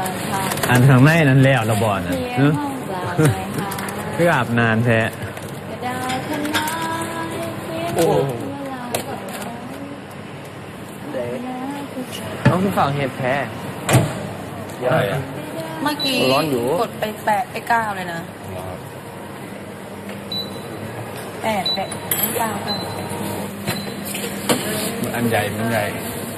อันทางในนั้นแล้วระบอดนะคืออาบนานแท้โอ้ต้องคือฝั่งเห็ดแพ้เมื่อกี้กดไป8ไป9เลยนะ8 9 อันใหญ่มันใหญ่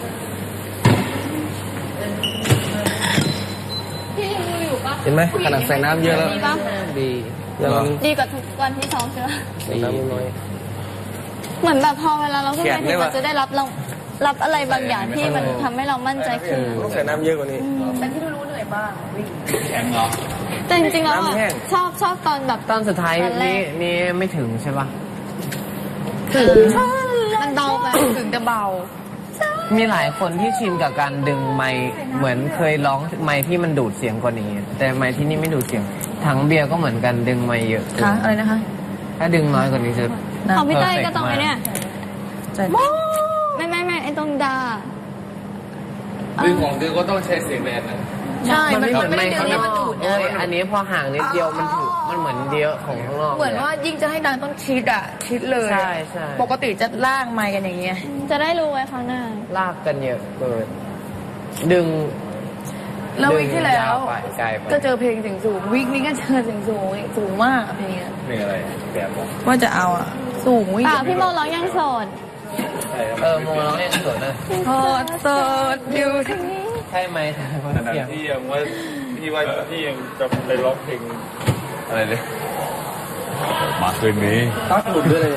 เห็นไหมขนาดใส่น้ำเยอะแล้วดีกว่าทุกวันที่ซ้อมใช่ไหมใส่น้ำน้อยเหมือนแบบพอเวลาเราขึ้นไปเราจะได้รับอะไรบางอย่างที่มันทำให้เรามั่นใจขึ้นต้องใส่น้ำเยอะกว่านี้แต่ที่รู้เหนื่อยบ้างแข็งเหรอแต่จริงๆแล้วชอบตอนแบบตอนสุดท้ายนี่ไม่ถึงใช่ปะถึงมันเบาไปถึงจะเบามีหลายคนที่ชินกับการดึงไมค์เหมือนเคยร้องไมค์ที่มันดูดเสียงกว่านี้แต่ไมค์ที่นี่ไม่ดูดเสียงถังเบียร์ก็เหมือนกันดึงไมค์เยอะค่ะอะไรนะคะถ้าดึงน้อยกว่านี้จะของพี่เต้ยก็ต้องไอ้เนี่ยไม่ไอ้ตรงดาดึงของดึงก็ต้องใช้เสียงแรงนะใช่มันไม่ดึงมันดูดอันนี้พอห่างนิดเดียวมันถือมันเหมือนเดียวของข้างนอกเหมือนว่ายิ่งจะให้ดังต้องชิดเลยใช่ปกติจะล่างไมค์กันอย่างเงี้ยจะได้รู้ไว้ครั้งหน้าลากกันเยอะเกินดึงแล้ววิกที่แล้วก็เจอเพลงเสียงสูงวิกนี้ก็เจอเสียงสูงมากเพลงอะไรแบบว่าจะเอาสูงวิกพี่โมร้องยังโสดโมร้องยังโสดนะโสดอยู่ที่นี่ใช่ไหมขณะที่ยังว่าพี่ยังจะไปร้องเพลงอะไรเลยมาคืนนี้ต้องหลุดด้วยเลย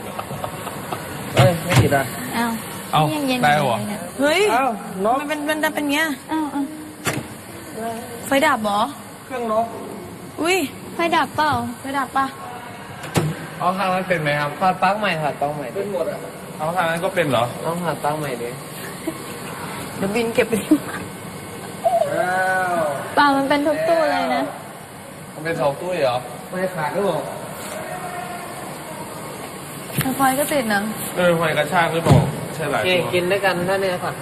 ไม่ติดอ่ะเอาได้หรอเฮ้ยมันเป็นเงี้ยไฟดับเหรอเครื่องนกอุ้ยไฟดับเปล่าไฟดับปะเอาทางนั้นเป็นไหมครับถอดปลั๊กใหม่เป็นหมดอ่ะเอาทางนั้นก็เป็นเหรอต้องถอดปลั๊กใหม่ดิเดี๋ยวบินเก็บไปเปล่ามันเป็นทุกตู้เลยนะมันเป็น2ตู้เหรอไม่ขาดหรือเปล่าไฟก็ติดนะไฟกระชากหรือเปล่าใช่หลายตัวกินด้วยกันท่านเนี่ยค่ะ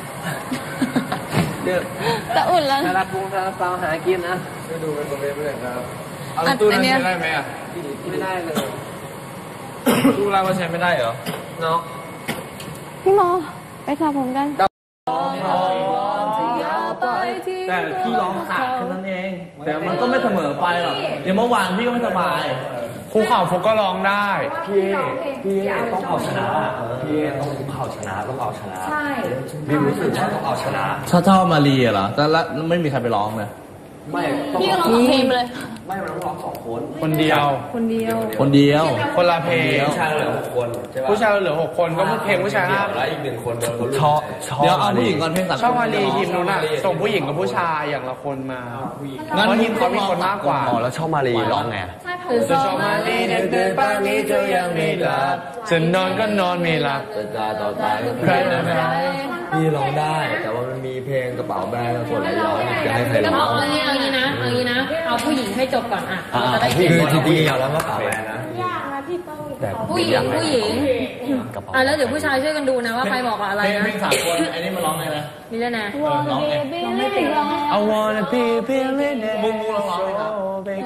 จะอุ่นแล้วซาลาปุงซาลาเปาหากินนะก็ดูเป็นตัวเลขเลยครับเอาตู้นั้นใช้ได้ไหมอ่ะไม่ได้เลยตู้ล่างมันใช้ไม่ได้เหรอเนาะพี่โมไปสอบผมกันแต่พี่ร้องขาดแค่นั้นเองแต่มันก็ไม่เสมอไปหรอกอย่างเมื่อวานพี่ก็ไม่สบายครูเข่าฟุกก็ร้องได้พี่ต้องเอาชนะพี่ต้องคุกเข่าชนะต้องเอาชนะใช่พี่รู้สึกว่าต้องเอาชนะชอบมารีเหรอแต่ละไม่มีใครไปร้องเลยไม่พี่ก็ร้องเพลงเลยไม่มันต้องร้อง2 คนคนเดียวคนละเพลงผู้ชายเหลือ6 คนผู้ชายเหลือ6 คนก็เพลงผู้ชาย5 แล้วอีก1 คนชอบเดี๋ยวเอาผู้หญิงก่อนเพลงชอบมารีทีมนู้นน่ะส่งผู้หญิงกับผู้ชายอย่างละคนมางั้นทีมเขามีคนมากกว่าแล้วชอบมารีร้องไงจะชอบมารีเดินป่านนี้เธอยังไม่หลับจะนอนก็นอนไม่หลับตาต่อตาใครพี่ร้องได้แต่ว่ามันมีเพลงกระเป๋าแบรนด์คนหลายร้องจะให้ใครร้องเอางี้นะเอาผู้หญิงให้จบก่อนอ่ะคือจริงๆเอาแล้วกระเป๋าแบรนด์นะแต่ผู้หญิงแล้วเดี๋ยวผู้ชายช่วยกันดูนะว่าใครบอกอะไรนะเพลง3 คนไอ้นี่มาร้องไงนะนี่แล้วนะร้องไง I wanna be billionaire มึงร้องไหมครับ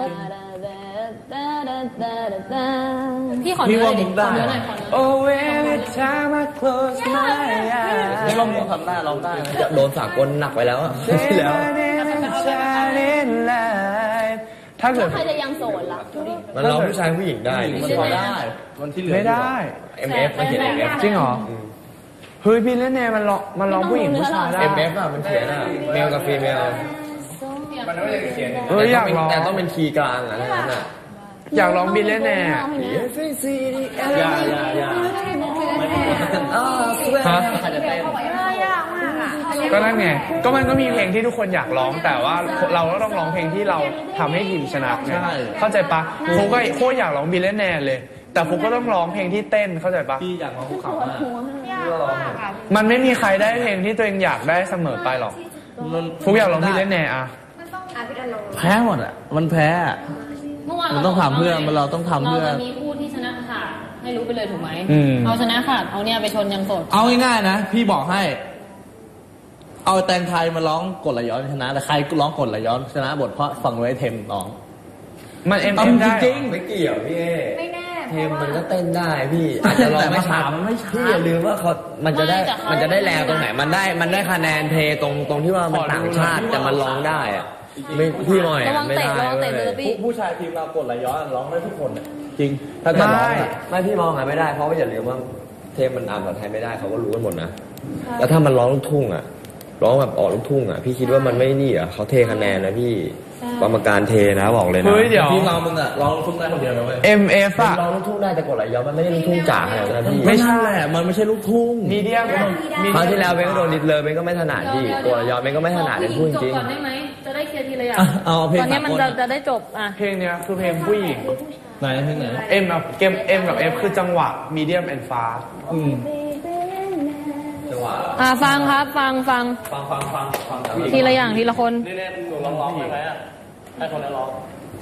พี่ขอเนื้อหน่อยดิขอเนื้อหน่อย Oh every time I close my eyes นี่ลองทำได้ร้องได้โดนสากลหนักไปแล้วที่แล้วถ้าเกิดใครจะยังโสดล่ะมันร้องผู้ชายผู้หญิงได้มันพอได้มันที่เหลือไม่ได้ MF มันเขียน MF จริงเหรอเฮ้ยพี่เล่นแน่มันร้องผู้หญิงผู้ชายได้ MF อ่ะมันเขียนอ่ะเมลกับฟีเมลมันไม่ได้เขียนอยากร้องแต่ต้องเป็นคีย์กลางอ่ะนั่นน่ะอยากร้องบิลเล่นแน่อย่าฮะก็นั่นไงก็มันก็มีเพลงที่ทุกคนอยากร้องแต่ว่าเราก็ต้องร้องเพลงที่เราทำให้ทีมชนะไงเข้าใจปะฟุกก็โคตรอยากร้องบิลเล่นแน่เลยแต่ฟุกก็ต้องร้องเพลงที่เต้นเข้าใจปะพี่อยากร้องภูเขามันไม่มีใครได้เพลงที่ตัวเองอยากได้เสมอไปหรอกฟุกอยากร้องบิลเล่นแน่อะแพ้หมดอ่ะมันแพ้มันต้องทำเพื่อเราต้องทำเพื่อเราจะมีคู่ที่ชนะขาดให้รู้ไปเลยถูกไหมเอาชนะขาดเอาเนี่ยไปชนยังโสดเอาง่ายๆนะพี่บอกให้เอาแตงไทยมาร้องกดไหลย้อนชนะแต่ใครร้องกดไหลย้อนชนะบทเพราะฝั่งไว้เทมร้องมันเอาได้จริงไม่เกี่ยวพี่เอไม่แน่เทมมันก็เต้นได้พี่อาจจะร้องไม่ชัดพี่อย่าลืมว่าเขามันจะได้แรงตรงไหนมันได้คะแนนเทตรงที่ว่ามันต่างชาติแต่มันร้องได้อะไม่พี่มองเนี่ยไม่ได้ผู้ชายทีมเรากดไหลย้อนร้องได้ทุกคนจริงถ้าจะร้องไม่พี่มองไม่ได้เพราะว่าอย่าลืมว่าเทมมันอ่านภาษาไทยไม่ได้เขาก็รู้กันหมดนะแล้วถ้ามันร้องลูกทุ่งอ่ะร้องแบบออกลูกทุ่งอ่ะพี่คิดว่ามันไม่นี่อ่ะเขาเทคะแนนนะพี่กรรมการเทนะบอกเลยนะพี่เรามึงอ่ะร้องลูกทุ่งได้คนเดียวนะเว้ย MF อ่ะร้องลูกทุ่งได้แต่กดไหลย้อนมันไม่ได้ลูกทุ่งจ๋าขนาดนั้นพี่ไม่ใช่มันไม่ใช่ลูกทุ่งมีเดียมคราวที่แล้วเบนก็โดนดิดเลยเบนก็ไม่ถนัดพี่กดไหลย้อนเบนก็ไม่ถนัดเลยพูดจริงก่อนได้ไหมจะได้เคลียร์ทีละอย่างเอาเพลงตอนนี้มันจะได้จบอ่ะเพลงเนี้ยคือเพลงผู้หญิงไหนเพลงไหน M กับ F คือจังหวะ medium and fast ฟังครับฟังทีละอย่างทีละคนนี่หนูร้องได้ไหมให้คนนั้นร้อง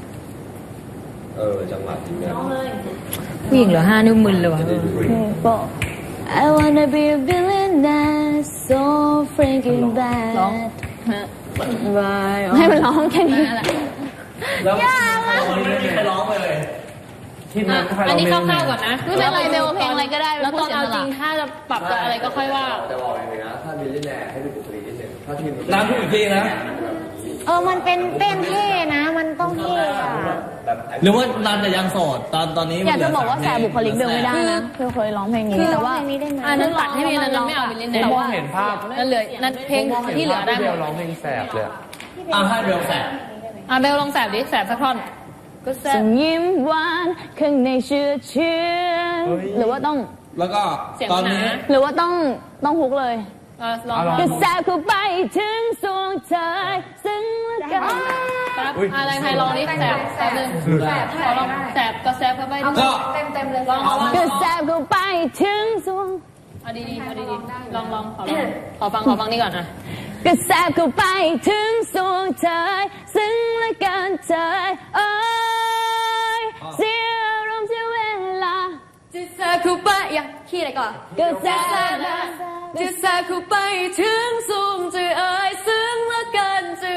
จังหวะที่เนี่ยผู้หญิงเหลือ5 นิ้วมึนเลยวะ I wanna be a billionaire so freaking bad ร้องให้มันร้องแค่นี้แหละยากมากไม่ร้องเลยอันนี้คร่าวๆก่อนนะไม่เป็นไรเบลเพลงอะไรก็ได้แล้วตอนเอาจริงถ้าจะปรับอะไรก็ค่อยว่าจะบอกอย่างนี้นะถ้ามีเล่นแน่ให้ดูบุคลิกนิดนึงถ้าทีมน้ำพูดอีกทีนะมันเป็นเต้นเท่นะมันต้องเท่อะหรือว่านานแต่ยังโสดตอนนี้อยากจะบอกว่าแสบบุคลิกเบลไม่ได้นะเบลเคยร้องเพลงนี้แต่ว่าอันนั้นตัดให้มีนั้นไม่เอาไปเล่นแต่ว่าเห็นภาพนั่นเลยนั่นเพลงที่เหลือได้เบลร้องเพลงแสบเลยให้เบลแสบเบลลองแสบดิแสบสักท่อนส่งยิ้มหวานข้างในเชื่อหรือว่าต้องแล้วก็ตอนนี้หรือว่าต้องฮุกเลยกระแสเข้าไปถึงสวงเธอซึ่งละกันอะไรใครลองนี่แสบนึงแสบขอลองแสบก็แสบเข้าไปก็เต็มเลยลองกระแสเข้าไปถึงสวงเอาดีลองขอฟังนี่ก่อนนะกระแสเข้าไปถึงสวงเธอซึ่งละกันเธอเสียอารมณ์เสียเวลาจะแสบเข้าไปอย่าขี้อะไรก่อนกระแสจะแสบเข้าไปถึงสูงจะซึ่งละกันจะ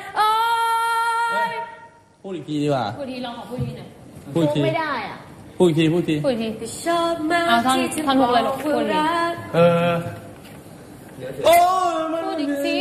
พูดอีกทีดีกว่าพูดทีลองขอพูดทีหน่อยพูดไม่ได้อ่ะพูดอีกทีชอบมากท่อนพูดเลยลูกพูดทีพูดอีกที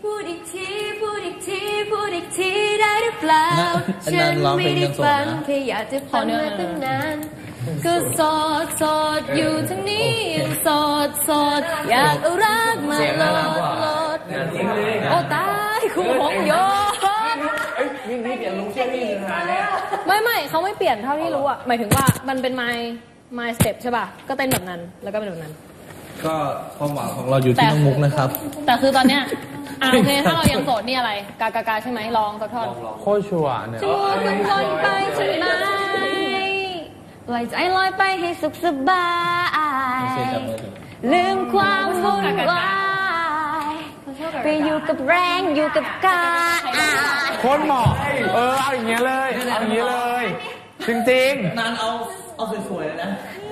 ได้หรือเปล่าฉันไม่ได้ฟังแค่อยากจะฟังมาตั้งนานก็โสดอยู่ทั้งนี้ยังโสดอยากเอารักมาโหลดโอ้ตายคู่ของโยนี่เปลี่ยนลุงเชื่อพี่นะไม่เขาไม่เปลี่ยนเท่าที่รู้อ่ะหมายถึงว่ามันเป็น my step ใช่ป่ะก็เต้นแบบนั้นแล้วก็เป็นแบบนั้นก็ความหวังของเราอยู่ที่น้องมุกนะครับแต่คือตอนเนี้ยโอเคถ้าเรายังโสดนี่อะไรกาใช่ไหมลองสักท่อนโคตรชัวร์เนี่ยชัวร์ทุกคนไปใช่ไหมปล่อยใจลอยไปให้สุขสบายลืมความวุ่นวายไปอยู่กับแรงอยู่กับกายโคตรเหมาะเอาอย่างเงี้ยเลยจริงๆนานเอาสวยๆเลยนะ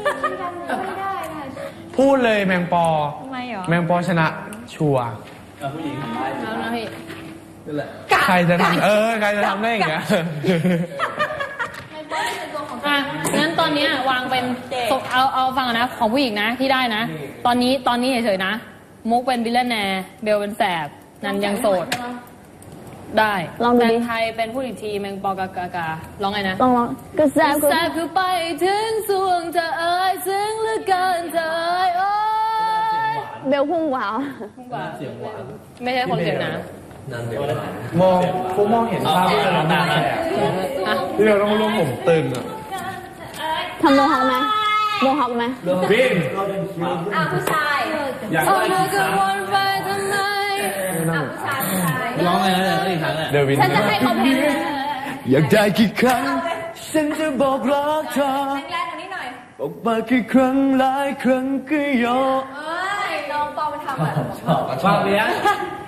พูดเลยแมงปอทำไมหรอแมงปอชนะชัวร์ผู้หญิงเอานะพี่นั่นแหละใครจะทำใครจะทำได้อย่างเงี้ยงั้นตอนนี้วางเป็นเอาฟังนะของผู้หญิงนะที่ได้นะตอนนี้เฉยๆนะมุกเป็นบิลเลนแนร์เบลเป็นแสบนันยังโสดได้แมงไทยเป็นผู้หญิงทีแมงปอกาการ้องไงนะร้องกระแสคือไปถึงสวงเธอซึ่งเหลือเกินเธอเบลพุ่งหวาวเสียงหวานไม่ใช่คนเสียงนะมองเห็นภาพที่เราตาที่เราต้องร่วมผมตึงอ่ะทำโมฮอคไหมบินผู้ชายอยากได้ผู้ชายวนไปทำไมผู้ชายร้องไงนะอีกครั้งอ่ะฉันจะให้เขาเพลงอยากได้กี่ครั้งฉันจะบอกรักเธอแรงๆกว่านี้หน่อยบอกมากี่ครั้งหลายครั้งก็ยอมน้องปอมันทำอ่ะชอบเลี้ยง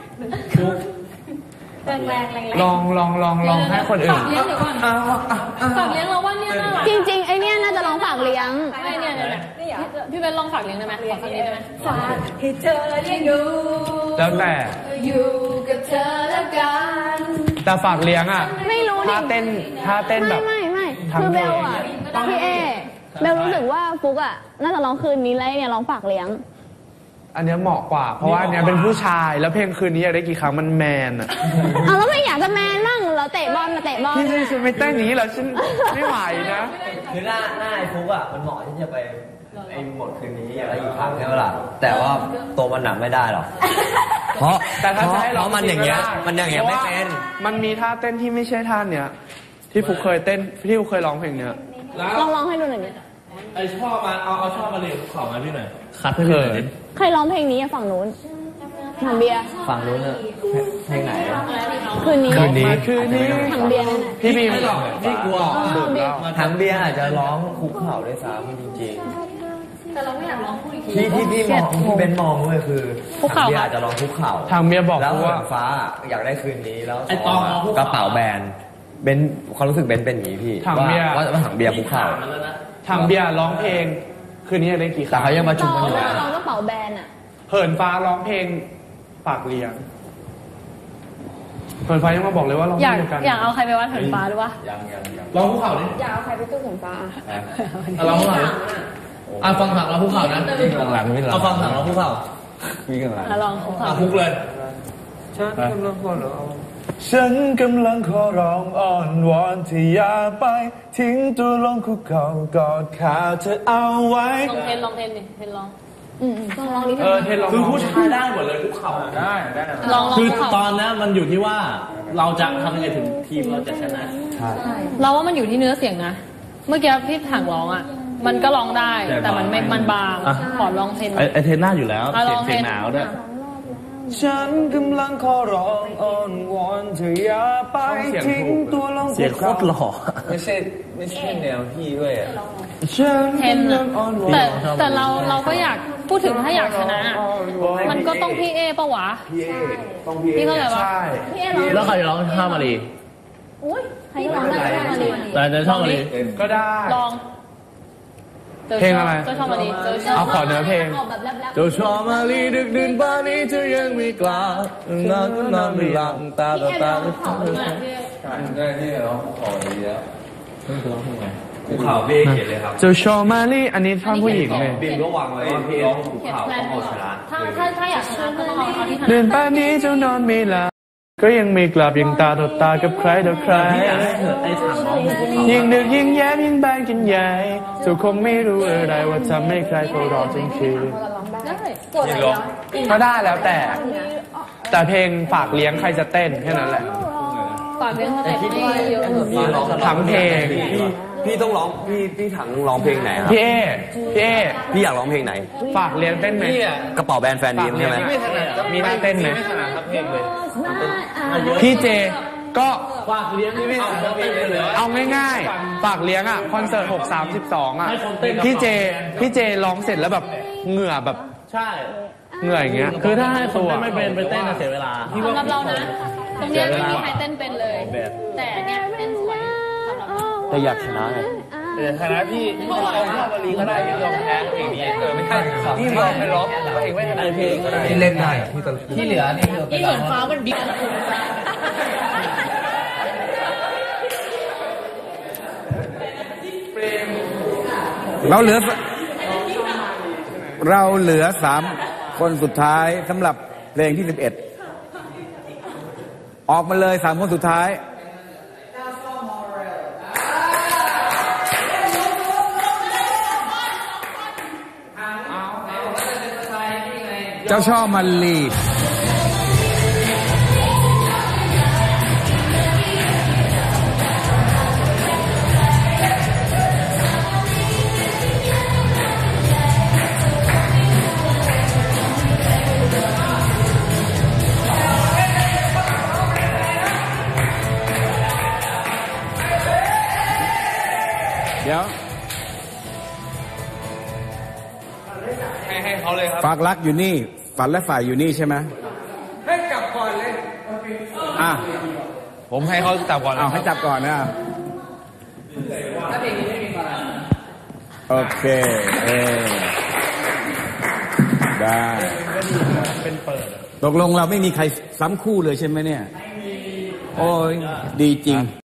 แรงลองให้คนอื่นฝากเลี้ยงเราว่าเนี่ยน่ารักจริงๆไอเนี้ยน่าจะร้องฝากเลี้ยงไอเนี่ยพี่เบนลองฝากเลี้ยงได้ไหมขอสักนิดได้ไหมฝากให้เธอเลี้ยงดูแล้วแต่อยู่กับเธอแล้วกันแต่ฝากเลี้ยงอ่ะไม่รู้ดิถ้าเต้นแบบไม่ทั้งคือเบลเพลงอ่ะพี่เอเบลรู้สึกว่าฟุกอ่ะน่าจะร้องคืนนี้แล้วเนี่ยร้องฝากเลี้ยงอันเนี้ยเหมาะกว่า เพราะว่าอันเนี้ยเป็นผู้ชายแล้วเพลงคืนนี้อยากได้กี่ครั้งมันแมนอ่ะเอาแล้วไม่อยากจะแมนบ้างเหราเตะบอลมาเตะบอลพี่ฉันไม่เต้นอย่างนี้เหรอฉันไม่ไหวนะคือหน้าไอ้ฟุกอ่ะมันเหมาะที่จะไปไอ้หมดคืนนี้อะไรอีกครั้งใช่ไหมล่ะแต่ว่าตัวมันหนักไม่ได้หรอกเพราะแต่ถ้าจะให้ร้องมันอย่างเงี้ยจริๆก็ได้มันอย่างเงี้ยไม่เป็นมันมีท่าเต้นที่ไม่ใช่ท่าเนี้ยที่ฟุกเคยเต้นที่ฟุกเคยร้องเพลงเนี้ยลองให้ดูหน่อยดิไอชอบมาเอาชอบมาเรียนข่าวมาพี่หน่อยคัดให้พี่หน่อยดิใครร้องเพลงนี้อะฝั่งนู้นถังเบียร์ฟังรู้เนอะเพลงไหนอะคืนนี้คืนนี้คืนนี้ถังเบียร์นั่นแหละพี่บีมพี่กลัวดื่มแล้วทางเบียร์อาจจะร้องคุกเข่าด้วยซ้ำจริงแต่เราไม่อยากร้องพูดอีกทีๆที่พี่มองที่เบนมองด้วยคือคุกเข่าทงเบียร์อาจจะร้องคุกเข่าทางเมียบอกแล้วว่าฟ้าอยากได้คืนนี้แล้วไอ้ตองเอาคุกกเข่าระเป๋าแบนเบนความรู้สึกเบนเป็นอย่างนี้พี่ถังเบียร์ว่าถังเบียร์คุกเข่าทางเบียร์ร้องเพลงคืนนี้อยากได้กี่คแต่รั้งเขายังมาจุ่มกันอยู่นะร้องกระเป๋าแบนอ่ะเหินฟ้าร้องเพลงฝากเลี้ยงเหินฟ้ายังมาบอกเลยว่าร้องอยากเพลงกันอยากเอาใครไปวัดเหินฟ้าหรือวะร้องภูเขาดิอยากเอาใครไปตู้ผมฟ้าร้องภูเขาดิฟังถังร้องภูเขานะหลังไม่หลังเอาฟังถังร้องภูเขามีกันหลังลองคุกเข่าคุกเลยฉันกำลังขอร้องอ้อนวอนที่อย่าไปทิ้งตัวลงคุกเข่ากอดขาเธอเอาไว้ลองเทนดิเทนลองต้องร้องนิดนึงเทนลองคือผู้ชายได้หมดเลยภูเขาได้ลองคือคุกเข่าตอนนี้มันอยู่ที่ว่าเราจะทำยังไงถึงทีมเราจะชนะเราว่ามันอยู่ที่เนื้อเสียงนะ เมื่อกี้พี่ถังร้องอ่ะ มันก็ร้องได้ แต่มันบางขอลองเทนไอเทนหน้าอยู่แล้วเสียงหนาวด้วยฉันกำลังขอร้องอ้อนวอนเธออย่าไปทิ้งตัวลงเสียงโคตรหล่อไม่ใช่แนวพี่ด้วยอ่ะฉันเทนกำลัอะงอ้อนวอนแต่เราก็อยากพูดถึงถ้าอยากชนะอะมันก็ต้องพี่เอปะวะ พี่เข้าใจปะใช่พี่เอร้องแล้วใครร้องท่ามารีอุ้ยใครก็ร้องได้มาเลยแต่จะชอบมารีก็ได้ลองเพลงอะไรเจอชอบมาดีเจอชอบเอาขอเนื้อเพลงออกแบบแรปเจ้าชอบมาลีดึกดื่นป่านนี้เธอยังไม่กล้านอนก็นอนไม่หลับตาต่อตาได้ที่ร้องขอดีแล้วภูเขาเบ้เขียนเลยครับเจ้าชอบมาลีอันนี้ท่อนผู้หญิงเลยบินก็วางไว้ว่าพี่ร้องภูเขาต้องเอาชนะถ้าอยากชนะก็ต้องเอาที่ถนัดเดินป่านนี้เจ้านอนไม่หลับก็ยังไม่กลับยังตาต่อตากับใครต่อใครไอ้ถังร้องภูเขายิ่งดึกยิ่งแย้มยิ่งบานกันใหญ่เจ้าคงไม่รู้อะไรว่าทำให้ใครเขารอจนคืนกดอะไรเนาะก็ได้แล้วแต่เพลงฝากเลี้ยงใครจะเต้นแค่นั้นแหละฝากเรื่องสเต็ปให้เยอะทั้งเพลงพี่ต้องร้องพี่ถังร้องเพลงไหนครับพี่เอพี่อยากร้องเพลงไหนฝากเลี้ยงเต้นไหมกระเป๋าแบรนด์แฟนดีมใช่ไหมมีท่าเต้นไหมพี่เจก็ฝากเลี้ยงนี่ไม่เอาเต้นเลยเอาง่ายๆฝากเลี้ยงอ่ะคอนเสิร์ต6/32อ่ะพี่เจร้องเสร็จแล้วแบบเหงื่อแบบใช่เหงื่ออย่างเงี้ยคือถ้าให้คนเต้นไม่เป็นไปเต้นเสียเวลาสำหรับเรานะ ตรงเนี้ยไม่มีใครเต้นเป็นเลย แต่เนี่ยเต้นสวยสำหรับเราแต่อยากชนะไงแต่ฐานะพี่เอาท่าบาลีก็ได้พี่ยอมแพ้เพลงนี้ไม่ใช่พี่ลองไปร้องเองไม่ถนัดเพลงก็ได้ที่เล่นได้ที่ตลกที่เหลือนี่คือที่เหมือนฟ้ามันบิ๊กเราเหลือ3 คนสุดท้ายสำหรับเพลงที่ 11 ออกมาเลย3 คนสุดท้าย เจ้าช่อมันลี เดี๋ยวให้เขาเลยครับฝากรักอยู่นี่ ฝันและฝ่ายอยู่นี่ใช่ไหมให้กลับก่อนเลยอ่ะผมให้เขาจับก่อนเอาให้จับก่อนนะ โอเคช่เป็นเปิดตกลงเราไม่มีใครซ้ำคู่เลยใช่ไหมเนี่ย โอ้ยดีจริง